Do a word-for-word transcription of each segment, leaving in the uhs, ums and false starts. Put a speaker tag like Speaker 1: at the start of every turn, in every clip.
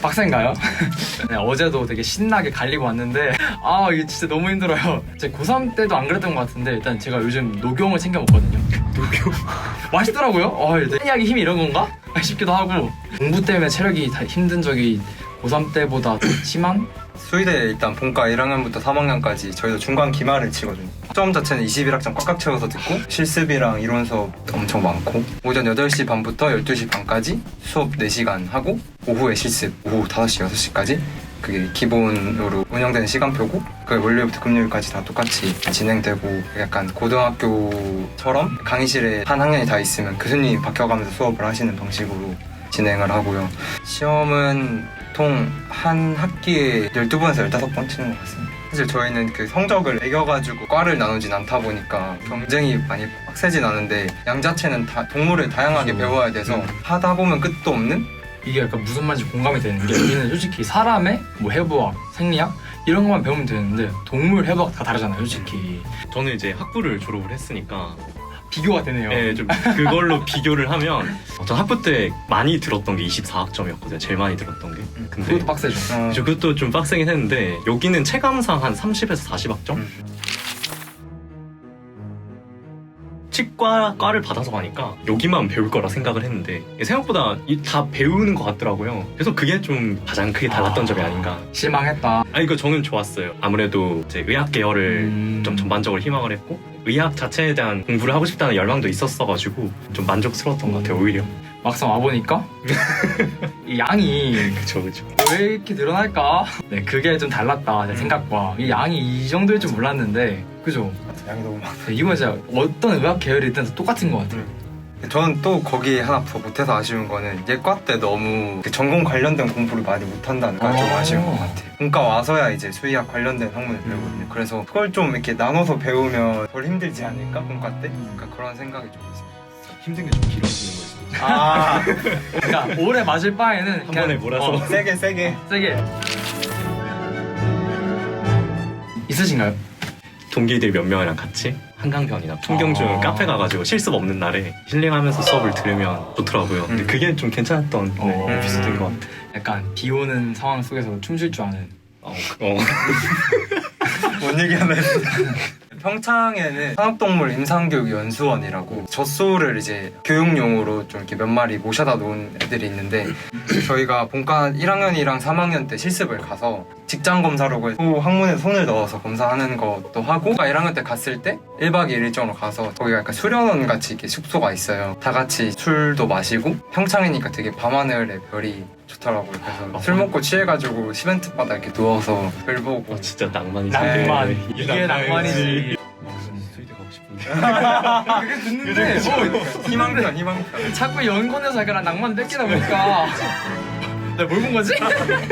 Speaker 1: 빡센가요? 네, 어제도 되게 신나게 갈리고 왔는데 아 이게 진짜 너무 힘들어요. 제 고삼 때도 안 그랬던 것 같은데 일단 제가 요즘 녹용을 챙겨 먹거든요. 녹용? 맛있더라고요. 어, 생리학의 힘이 이런 건가? 싶기도 하고 공부 때문에 체력이 다 힘든 적이 고삼 때보다 심한?
Speaker 2: 수의대 일단 본과 일 학년부터 삼 학년까지 저희도 중간 기말을 치거든요. 수업 자체는 이십일 학점 꽉꽉 채워서 듣고 실습이랑 이론 수업 엄청 많고 오전 여덟 시 반부터 열두 시 반까지 수업 네 시간 하고 오후에 실습 오후 다섯 시 여섯 시까지 그게 기본으로 운영되는 시간표고 그 월요일부터 금요일까지 다 똑같이 진행되고 약간 고등학교처럼 강의실에 한 학년이 다 있으면 교수님이 바뀌어가면서 수업을 하시는 방식으로 진행을 하고요. 시험은 보통 한 학기에 열두 번에서 열다섯 번 치는 것 같습니다. 사실 저희는 그 성적을 매겨가지고 과를 나누진 않다 보니까 경쟁이 많이 빡세진 않은데 양 자체는 다 동물을 다양하게 배워야 돼서 하다 보면 끝도 없는?
Speaker 1: 이게 약간 무슨 말인지 공감이 되는 게 우리는 솔직히 사람의 뭐 해부학, 생리학 이런 것만 배우면 되는데 동물 해부학 다 다르잖아요 솔직히.
Speaker 3: 저는 이제 학부를 졸업을 했으니까
Speaker 1: 비교가 되네요.
Speaker 3: 네, 좀 그걸로 비교를 하면 전 학부 때 많이 들었던 게 이십사 학점이었거든요. 제일 많이 들었던 게. 근데
Speaker 1: 그것도 빡세죠.
Speaker 2: 어,
Speaker 3: 저 그것도 좀 빡세긴 했는데 여기는 체감상 한 삼십에서 사십 학점?
Speaker 2: 음.
Speaker 3: 치과 과를 받아서 가니까 여기만 배울 거라 생각을 했는데 생각보다 이 다 배우는 것 같더라고요. 그래서 그게 좀 가장 크게 달랐던
Speaker 1: 아,
Speaker 3: 점이 아닌가.
Speaker 1: 실망했다.
Speaker 3: 아니 그 저는 좋았어요. 아무래도 이제 의학 계열을
Speaker 1: 음...
Speaker 3: 좀 전반적으로 희망을 했고 의학 자체에 대한 공부를 하고 싶다는 열망도 있었어가지고 좀 만족스러웠던 것 같아요 오히려.
Speaker 1: 막상 와보니까 이 양이
Speaker 3: 그쵸 그쵸.
Speaker 1: 왜 이렇게 늘어날까? 네, 그게 좀 달랐다 제 생각과. 이 양이 이 정도일 줄 몰랐는데 그죠?
Speaker 2: 양이 너무 많아.
Speaker 1: 네, 이건 진짜 어떤 의학 계열이든 다 똑같은 것 같아요.
Speaker 2: 저는 또 거기에 하나 더 못해서 아쉬운 거는 예과 때 너무 그 전공 관련된 공부를 많이 못한다는 게 좀
Speaker 1: 아.
Speaker 2: 아쉬운 것 같아요. 본과 와서야 이제 수의학 관련된 학문을 배우거든요. 그래서 그걸 좀 이렇게 나눠서 배우면 덜 힘들지 않을까? 본과 때? 그러니까 그런 생각이 좀 있어요.
Speaker 3: 힘든 게 좀 길어지는 거였어요.
Speaker 2: 아,
Speaker 1: 그러니까 오래 맞을 바에는
Speaker 3: 한 번에 몰아서.
Speaker 1: 어,
Speaker 2: 세게 세게.
Speaker 1: 세게 있으신가요?
Speaker 3: 동기들 몇 명이랑 같이 한강변이나 풍경중
Speaker 1: 아.
Speaker 3: 카페 가가지고 실습 없는 날에 힐링하면서 수업을 들으면 좋더라고요. 근데
Speaker 2: 음.
Speaker 3: 그게 좀 괜찮았던
Speaker 1: 어.
Speaker 3: 네, 에피소드인 것 같아요.
Speaker 1: 약간 비 오는 상황 속에서 춤출 줄 아는.
Speaker 3: 어, 어.
Speaker 2: 뭔 얘기 하나 했어. 평창에는 산업동물 임상교육연수원이라고 젖소를 이제 교육용으로 좀 이렇게 몇 마리 모셔다 놓은 애들이 있는데 저희가 본과 일 학년이랑 삼 학년 때 실습을 가서 직장 검사라고 소 항문에 손을 넣어서 검사하는 것도 하고 일 학년 때 갔을 때 일 박 이 일 일정으로 가서 거기가 약간 수련원 같이 이렇게 숙소가 있어요. 다 같이 술도 마시고 평창이니까 되게 밤하늘의 별이 좋더라고요. 그래서
Speaker 3: 아,
Speaker 2: 술 먹고 취해가지고 시멘트 바닥 이렇게 누워서 별 보고
Speaker 3: 어, 진짜 낭만이지.
Speaker 1: 낭만.
Speaker 3: 네,
Speaker 1: 이게 낭만이지.
Speaker 3: 수의대 가고 싶은데.
Speaker 1: 그게 듣는데 어,
Speaker 2: 희망편 희망편.
Speaker 1: 자꾸 연권에서 약간 낭만 뺏기다 보니까 내가 뭘 본 거지?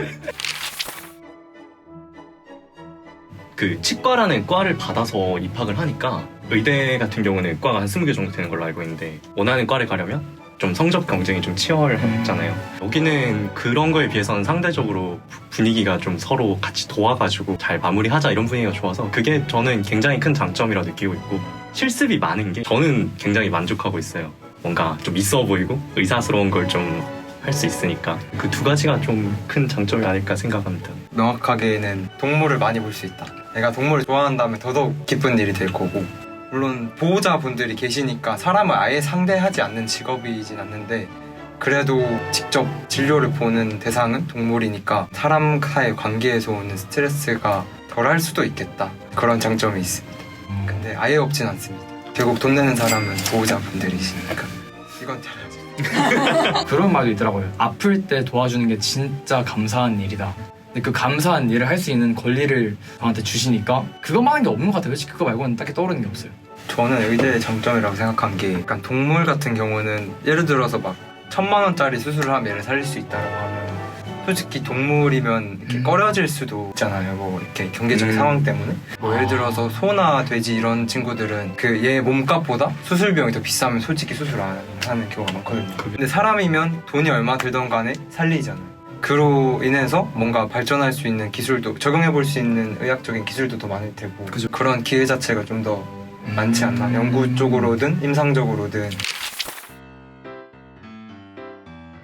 Speaker 3: 그 치과라는 과를 받아서 입학을 하니까 의대 같은 경우는 과가 한 스무 개 정도 되는 걸로 알고 있는데 원하는 과를 가려면 좀 성적 경쟁이 좀 치열하잖아요. 여기는 그런 거에 비해서는 상대적으로 분위기가 좀 서로 같이 도와가지고 잘 마무리하자 이런 분위기가 좋아서 그게 저는 굉장히 큰 장점이라 느끼고 있고 실습이 많은 게 저는 굉장히 만족하고 있어요. 뭔가 좀 있어 보이고 의사스러운 걸 좀 할 수 있으니까 그 두 가지가 좀 큰 장점이 아닐까 생각합니다.
Speaker 2: 명확하게는 동물을 많이 볼 수 있다. 내가 동물을 좋아한다면 더더욱 기쁜 일이 될 거고 물론 보호자분들이 계시니까 사람을 아예 상대하지 않는 직업이진 않는데 그래도 직접 진료를 보는 대상은 동물이니까 사람과의 관계에서 오는 스트레스가 덜할 수도 있겠다. 그런 장점이 있습니다. 근데 아예 없진 않습니다. 결국 돈 내는 사람은 보호자분들이시니까 이건 잘하죠.
Speaker 1: 그런 말도 있더라고요. 아플 때 도와주는 게 진짜 감사한 일이다. 근데 그 감사한 일을 할 수 있는 권리를 저한테 주시니까 그것만 한 게 없는 것 같아요. 솔직히 그거 말고는 딱히 떠오르는 게 없어요.
Speaker 2: 저는 의대의 장점이라고 생각한 게 약간 동물 같은 경우는 예를 들어서 막 천만 원짜리 수술을 하면 얘를 살릴 수 있다고 하면 솔직히 동물이면 이렇게
Speaker 1: 음.
Speaker 2: 꺼려질 수도 있잖아요. 뭐 이렇게 경제적인
Speaker 1: 음.
Speaker 2: 상황 때문에 뭐 예를
Speaker 1: 아.
Speaker 2: 들어서 소나 돼지 이런 친구들은 그 얘 몸값보다 수술 비용이 더 비싸면 솔직히 수술 안 하는 경우가 많거든요. 근데 사람이면 돈이 얼마 들던 간에 살리잖아요. 그로 인해서 뭔가 발전할 수 있는 기술도 적용해 볼 수 있는 의학적인 기술도 더 많을 테고
Speaker 1: 그죠.
Speaker 2: 그런 기회 자체가 좀 더 많지 않나. 연구 쪽으로든 임상적으로든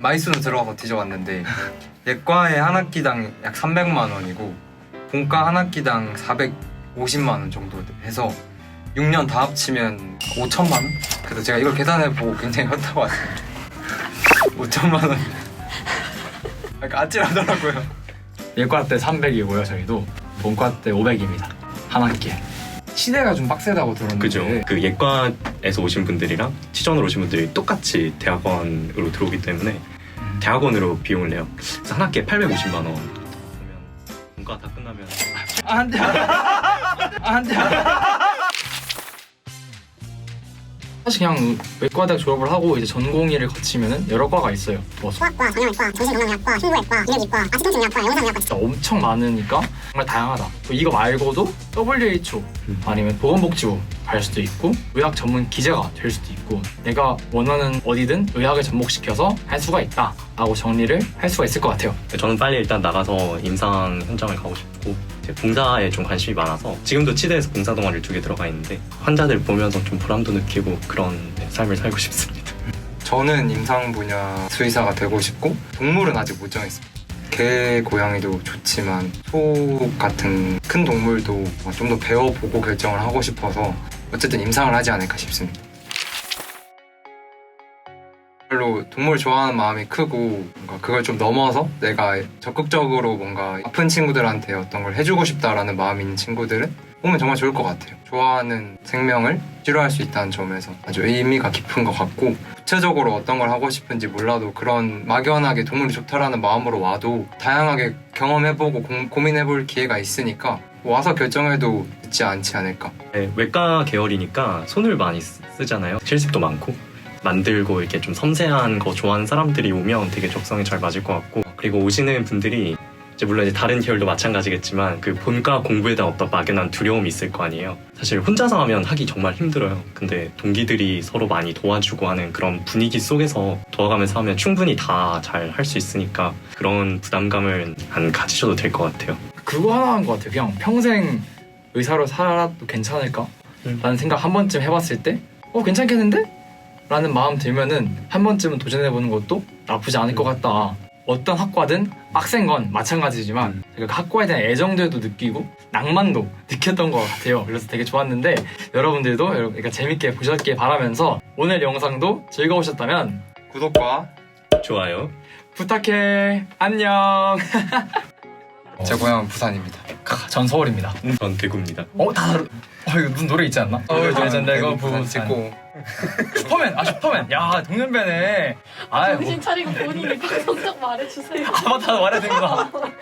Speaker 2: 마이수는 들어가서 뒤져봤는데 예과에 한 학기당 약 삼백만 원이고 본과 한 학기당 사백오십만 원 정도 해서 육 년 다 합치면 오천만 원? 그래서 제가 이걸 계산해보고 굉장히 현타가 왔어요. 오천만 원. 약간 아찔하더라고요.
Speaker 1: 예과 때 삼백이고요. 저희도 본과 때 오백입니다. 한 학기에. 시대가 좀 빡세다고 들었는데.
Speaker 3: 그죠. 그 예과에서 오신 분들이랑 치전으로 오신 분들이 똑같이 대학원으로 들어오기 때문에 대학원으로 비용을 내요. 그래서 한 학기에 팔백오십만 원. 그러면 본과 다 끝나면
Speaker 1: 아, 안 돼. 아, 안 돼. 사실 그냥 외과대학 졸업을 하고 이제 전공의를 거치면은 여러 과가 있어요. 뭐
Speaker 4: 소아과, 정형외과, 정신건강의학과, 흉부외과, 인후외과, 아치통신의학과, 영상의학과
Speaker 1: 진짜 엄청 많으니까 정말 다양하다. 또 이거 말고도 더블유에이치오 아니면 보건복지부 갈 수도 있고 의학 전문 기자가 될 수도 있고 내가 원하는 어디든 의학을 접목시켜서 할 수가 있다 라고 정리를 할 수가 있을 것 같아요.
Speaker 3: 저는 빨리 일단 나가서 임상 현장을 가고 싶고 이제 봉사에 좀 관심이 많아서 지금도 치대에서 봉사 동아리를 두 개 들어가 있는데 환자들 보면서 좀 보람도 느끼고 그런 삶을 살고 싶습니다.
Speaker 2: 저는 임상 분야 수의사가 되고 싶고 동물은 아직 못 정했습니다. 개, 고양이도 좋지만 소 같은 큰 동물도 좀 더 배워보고 결정을 하고 싶어서 어쨌든 임상을 하지 않을까 싶습니다. 별로 동물 좋아하는 마음이 크고 뭔가 그걸 좀 넘어서 내가 적극적으로 뭔가 아픈 친구들한테 어떤 걸 해주고 싶다라는 마음이 있는 친구들은 보면 정말 좋을 것 같아요. 좋아하는 생명을 치료할 수 있다는 점에서 아주 의미가 깊은 것 같고 구체적으로 어떤 걸 하고 싶은지 몰라도 그런 막연하게 동물이 좋다라는 마음으로 와도 다양하게 경험해보고 고, 고민해볼 기회가 있으니까 와서 결정해도 늦지 않지 않을까.
Speaker 3: 네, 외과 계열이니까 손을 많이 쓰, 쓰잖아요. 실습도 많고 만들고 이렇게 좀 섬세한 거 좋아하는 사람들이 오면 되게 적성에 잘 맞을 것 같고 그리고 오시는 분들이 이제 물론 이제 다른 계열도 마찬가지겠지만 그 본과 공부에 대한 어떤 막연한 두려움이 있을 거 아니에요. 사실 혼자서 하면 하기 정말 힘들어요. 근데 동기들이 서로 많이 도와주고 하는 그런 분위기 속에서 도와가면서 하면 충분히 다 잘 할 수 있으니까 그런 부담감을 안 가지셔도 될 것 같아요.
Speaker 1: 그거 하나 한 것 같아요. 그냥 평생 의사로 살아도 괜찮을까? 라는 생각 한 번쯤 해봤을 때 어 괜찮겠는데? 라는 마음 들면은 한 번쯤은 도전해보는 것도 나쁘지 않을 것 같다. 어떤 학과든 빡센 건 마찬가지지만 그 학과에 대한 애정들도 느끼고 낭만도 느꼈던 것 같아요. 그래서 되게 좋았는데 여러분들도 여러분 그러니까 재밌게 보셨길 바라면서 오늘 영상도 즐거우셨다면
Speaker 2: 구독과
Speaker 3: 좋아요.
Speaker 1: 부탁해. 안녕.
Speaker 2: 제 고향은 부산입니다.
Speaker 1: 전 서울입니다.
Speaker 3: 전 대구입니다.
Speaker 1: 어? 다 다르... 어 이거 무슨 노래 있지 않나? 어 이제 내가 부산
Speaker 2: 찍고
Speaker 1: 슈퍼맨! 아 슈퍼맨! 야 동년배네. 아
Speaker 5: 정신 차리고 본인이 성적 말해주세요.
Speaker 1: 아 맞다 말해야 되는구나.